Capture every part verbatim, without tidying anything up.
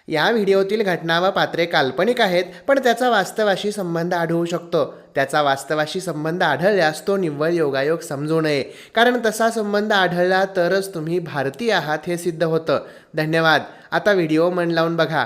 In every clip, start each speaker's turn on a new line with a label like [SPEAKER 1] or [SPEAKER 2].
[SPEAKER 1] या व्हिडिओतील घटना व पात्रे काल्पनिक आहेत, पण त्याचा वास्तवाशी संबंध आढळू शकतो. त्याचा वास्तवाशी संबंध आढळल्यास तो निव्वळ योगायोग समजू नये, कारण तसा संबंध आढळला तरच तुम्ही भारतीय आहात हे सिद्ध होतं. धन्यवाद. आता व्हिडिओ मन लावून बघा.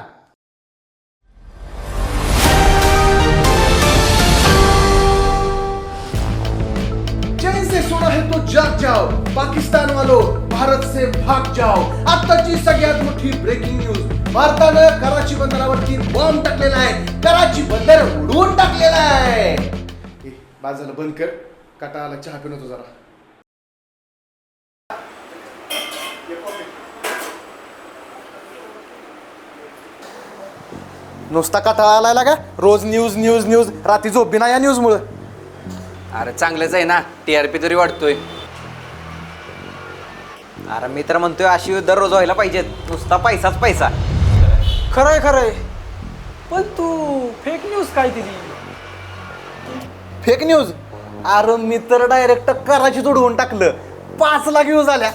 [SPEAKER 2] चैन से सोना है तो जाग जाओ, पाकिस्तान वालों भारत से भाग जाओ. आताची सगळ्यात मोठी ब्रेकिंग न्यूज. भारतानं कराची बंदरावरती बॉम्ब टाकलेला आहे. कराची बंदर उडवून टाकलेला आहे. ए, बाद झालं, बंद कर. कटाळाला चहा पिऊन होतो जरा. नुसता कटाळा आलाय का? रोज न्यूज न्यूज न्यूज. रात्री झोप बी नाही या न्यूज मुळे.
[SPEAKER 3] अरे चांगलंच आहे ना, टीआरपी तरी वाढतोय. अरे मी तर म्हणतोय अशी दररोज व्हायला पाहिजेत, नुसता पैसाच पैसा.
[SPEAKER 4] खरंय खरंय, पण तू फेक न्यूज काय दिली?
[SPEAKER 2] Fake news? अरे मी तर डायरेक्ट कराची उडवून टाकलं. पाच लाख व्ह्यूज आल्या.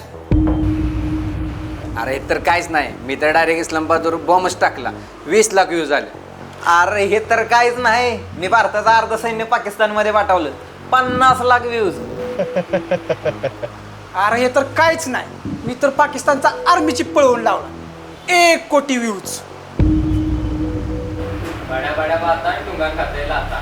[SPEAKER 3] अरे तर काहीच नाही, मी तर डायरेक्ट इस्लामाबादवर बॉम्बच टाकला, वीस लाख व्ह्यूज आले. अरे हे तर काहीच नाही, मी भारताचं अर्ध सैन्य पाकिस्तानमध्ये पाठवलं, पन्नास लाख व्ह्यूज.
[SPEAKER 4] अरे हे तर काहीच नाही, मी तर पाकिस्तानचा आर्मीची पळवून लावला, एक कोटी व्ह्यूज.
[SPEAKER 5] बड्या बड्या बाता टुंगा खाते लाता.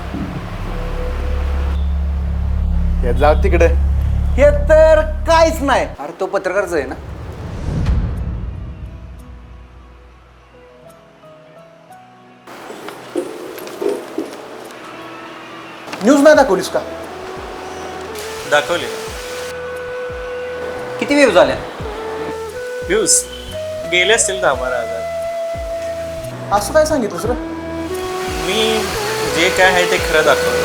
[SPEAKER 2] हे जाऊ तिकडे. हे तर काहीच नाही.
[SPEAKER 3] अरे तो पत्रकारच आहे ना.
[SPEAKER 2] न्यूज नाही दाखवलीस का?
[SPEAKER 6] दाखवले.
[SPEAKER 3] किती व्ह्यूज आल्या?
[SPEAKER 6] व्ह्यूज गेले असतील दहा बारा हजार.
[SPEAKER 2] असं काय सांगितलं सर?
[SPEAKER 6] मी जे काय आहे ते खरं दाखवलं.